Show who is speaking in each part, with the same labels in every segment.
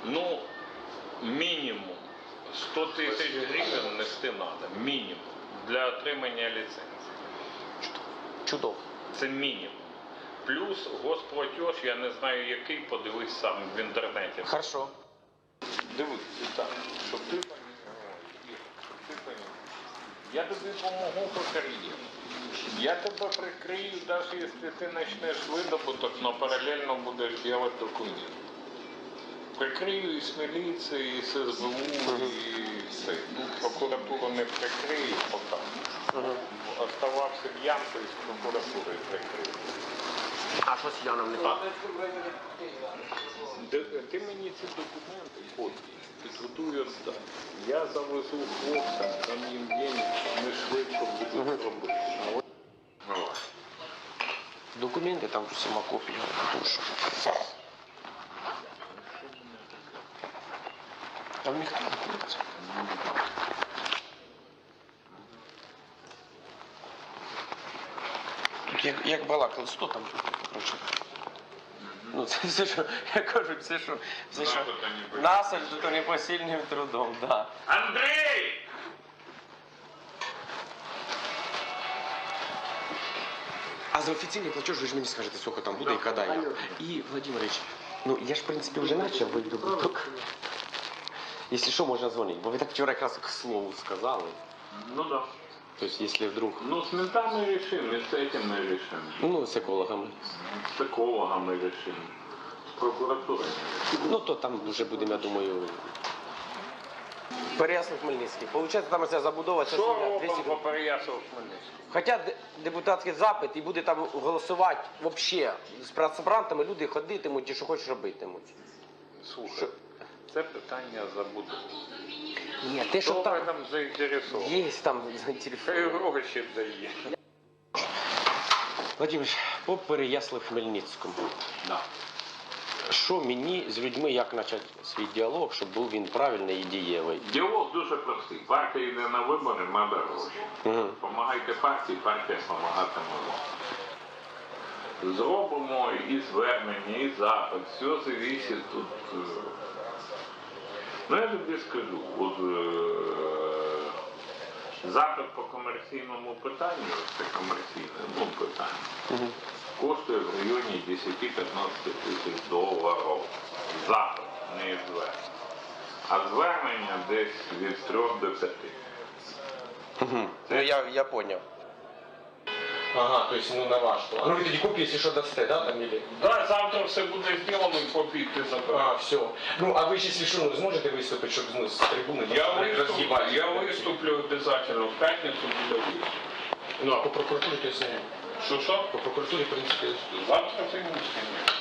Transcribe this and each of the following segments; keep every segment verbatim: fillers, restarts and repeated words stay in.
Speaker 1: Ну, мінімум сто тисяч гривень нести треба. Мінімум. Для отримання ліцензії.
Speaker 2: Чудово.
Speaker 1: Це мінімум. Плюс госплатеж, я не знаю який, подивись сам в інтернеті.
Speaker 2: Хорошо.
Speaker 1: Дивись, так, щоб ти пам'ятав, щоб ти пам'ятав. Я тобі допомогу по кар'єрі. Я тебе прикрию, навіть якщо ти почнеш видобуток, але паралельно будеш робити документи. Прикрию і з міліції, і з ес бе у, і все. Ну, прокуратуру не прикрию поки. Угу. Оставався в Янку і з прокуратурою прикрию.
Speaker 2: А що з Яном не так?
Speaker 1: Ти мені ці документи, копії, підготую здати. Я завезу хлопцям, там їм день, ми швидко будуть робити.
Speaker 2: Документи, там сама копія. Душу. Там ніхто не знаходиться. Тут як, як балакали, сто там, коротше. Ну це все, що, я кажу, все, що, все, що насаджу, то непосильним трудом, да.
Speaker 1: Андрій!
Speaker 2: А за офіційний платеж ви ж мені скажете, сколько там буде і коли. І, Владимирович, ну я ж, в принципі, вже почав видобуток. Якщо що, можна дзвонити, бо ви так вчора якраз к слову сказали.
Speaker 1: Ну да.
Speaker 2: То есть, если вдруг...
Speaker 1: Ну, с ментами решим, и с этим мы решим.
Speaker 2: Ну, с экологами.
Speaker 1: С экологом мы решим. С прокуратурой.
Speaker 2: Ну, то там вже будемо, я думаю... Переяслав-Хмельницький. Получається, там ця забудова...
Speaker 1: Що робимо по Переяслав-Хмельницькому?
Speaker 2: Хоча депутатський запит і буде там голосувати взагалі з працебрантами, люди ходитимуть і що хочуть робитимуть.
Speaker 1: Слухай,
Speaker 2: Що?
Speaker 1: це питання забудови.
Speaker 2: Ні, те, що
Speaker 1: Хто
Speaker 2: там...
Speaker 1: там заінтересований?
Speaker 2: Є там
Speaker 1: Хай
Speaker 2: заінтересовані.
Speaker 1: гроші дає.
Speaker 2: Владимир, по Переяслав-Хмельницькому.
Speaker 1: Да.
Speaker 2: Що мені з людьми, як почати свій діалог, щоб був він правильний і дієвий?
Speaker 1: Діалог дуже простий. Партія йде на вибори, треба гроші.
Speaker 2: Угу.
Speaker 1: Помагайте партії, партія допомагатиме вам. Зробимо і звернення, і запит. Все залежить тут. Ну я тобі скажу, от е, запит по комерційному питанню, це комерційне, ну питання,
Speaker 2: Угу.
Speaker 1: коштує в районі десять-п'ятнадцять тисяч доларів. Запит, не звернення. А звернення десь від трьох до п'яти.
Speaker 2: Угу. Ну я, я понял. Ага, то есть ну на ваш план. Ну ви тоді копії, якщо що дасте, да, там или?
Speaker 1: Так, завтра все буде зроблено і копії ти забереш.
Speaker 2: А, все. Ну, а ви, якщо що, ну, зможете виступити, щоб ну, з трибуни
Speaker 1: Я
Speaker 2: там,
Speaker 1: виступлю,
Speaker 2: роз'їбати?
Speaker 1: я виступлю обов'язково, в п'ятницю буде виступ.
Speaker 2: Ну, а по прокуратурі, то есть, ні.
Speaker 1: Що що?
Speaker 2: По прокуратурі, в принципі,
Speaker 1: Завтра ти не встигнеш.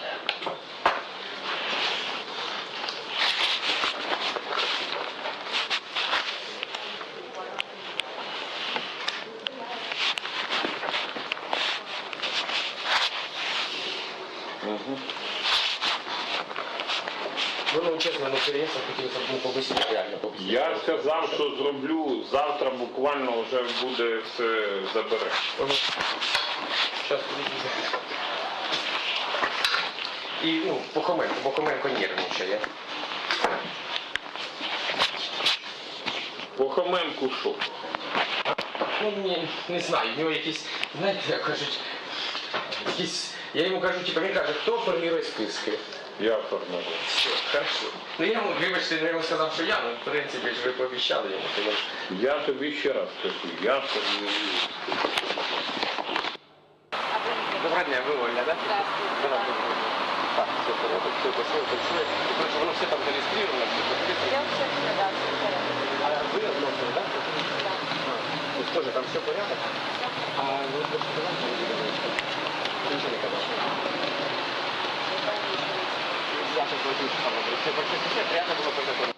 Speaker 2: Угу. Ну, ну, чесно, ну, переїзд хотілося б ну, побисити, реально побисити.
Speaker 1: Я сказав, що зроблю, завтра буквально вже буде все забере.
Speaker 2: Угу. Зараз подивіться. І, ну, Похоменко, Похоменко нервничає.
Speaker 1: Похоменку що?
Speaker 2: Ну, не, не знаю, у нього якісь, знаєте, як кажуть, якісь, я йому кажу, типу, він каже, хто формує списки?
Speaker 1: Я формую.
Speaker 2: Все, хорошо. Ну, я йому, вибачте, я йому сказав, що я, ну, в принципі, ж ви пообіцяли йому, то я...
Speaker 1: Я тобі ще раз кажу, я формую.
Speaker 2: Доброго дня, ви Оля, да?
Speaker 3: Так.
Speaker 2: Так, все порядок, все красиво, танцює. І, короче, воно все там зареєстровано, все підписано.
Speaker 3: Я все да, все в порядке.
Speaker 2: А ви односно, да?
Speaker 3: Да.
Speaker 2: То есть тоже там все порядок? А вы просто давайте не говорите. Ничего не казалось. Я сейчас возьму с тобой. Все, большое спасибо, приятно было познакомиться.